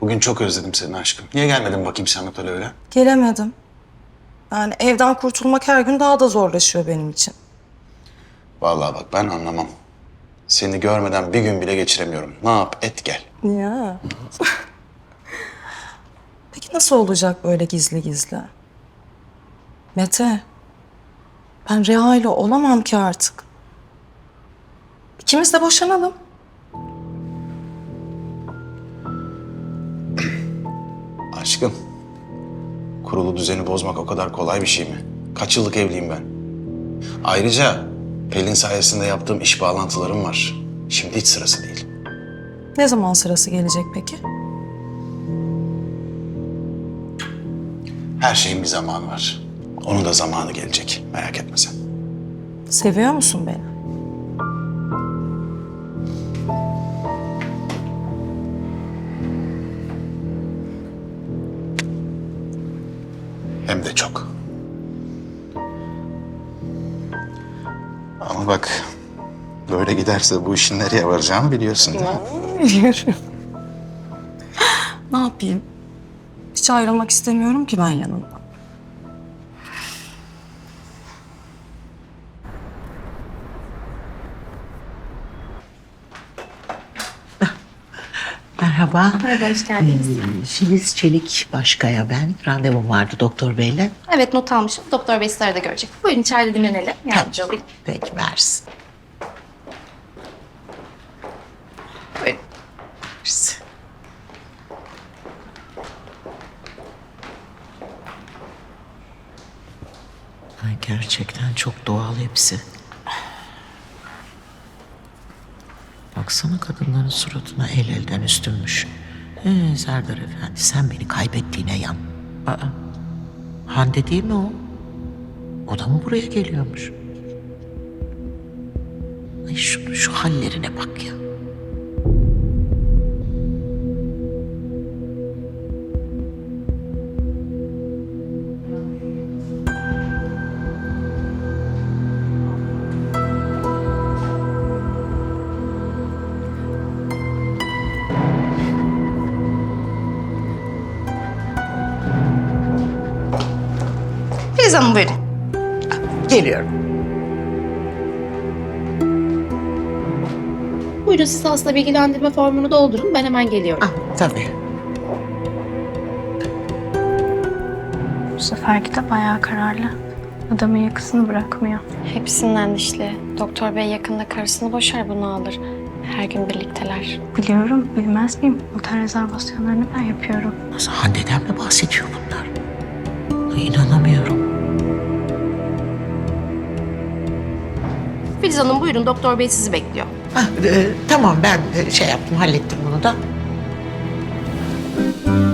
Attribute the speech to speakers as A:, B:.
A: Bugün çok özledim seni aşkım. Niye gelmedin bakayım sen öyle?
B: Gelemedim. Yani evden kurtulmak her gün daha da zorlaşıyor benim için.
A: Vallahi bak ben anlamam. Seni görmeden bir gün bile geçiremiyorum. Ne yap et gel.
B: Ya. Peki nasıl olacak böyle gizli gizli? Mete, ben Reha ile olamam ki artık. İkimiz de boşanalım.
A: Aşkım, kurulu düzeni bozmak o kadar kolay bir şey mi? Kaç yıllık evliyim ben? Ayrıca Pelin sayesinde yaptığım iş bağlantılarım var. Şimdi hiç sırası değil.
B: Ne zaman sırası gelecek peki?
A: Her şeyin bir zamanı var. Onun da zamanı gelecek. Merak etme sen.
B: Seviyor musun beni?
A: Hem de çok. Ama bak, böyle giderse bu işin nereye varacağını biliyorsun değil mi?
B: Biliyorum. Ne yapayım? Hiç ayrılmak istemiyorum ki ben yanından.
C: Merhaba.
D: Merhaba, hoş geldiniz.
C: Filiz Çelik Başkaya ben. Randevum vardı doktor beyle.
D: Evet, not almışım. Doktor Bey sizleri de görecek. Buyurun içeride dinlenelim. Yardımcı olayım.
C: Peki versin.
D: Buyurun.
C: Versin. Ay, gerçekten çok doğal hepsi. Baksana kadınların suratına el elden üstünmüş. Serdar Efendi sen beni kaybettiğine yan. Aa, Hande değil mi o? O da mı buraya geliyormuş? Ay şu hallerine bak ya.
D: Filiz Hanım buyurun.
C: Geliyorum.
D: Buyurun siz hasta bilgilendirme formunu doldurun. Ben hemen geliyorum.
C: Ah, tabii.
E: Bu seferki de bayağı kararlı. Adamın yakasını bırakmıyor.
F: Hepsinden dişli. Doktor bey yakında karısını boşar, bunu alır. Her gün birlikteler.
E: Biliyorum, bilmez miyim? Otel rezervasyonlarını ben yapıyorum.
C: Nasıl Hande'den mi bahsediyor bunlar? Ay, İnanamıyorum.
D: Filiz Hanım buyurun. Doktor Bey sizi bekliyor.
C: Ah, tamam ben şey yaptım hallettim bunu da.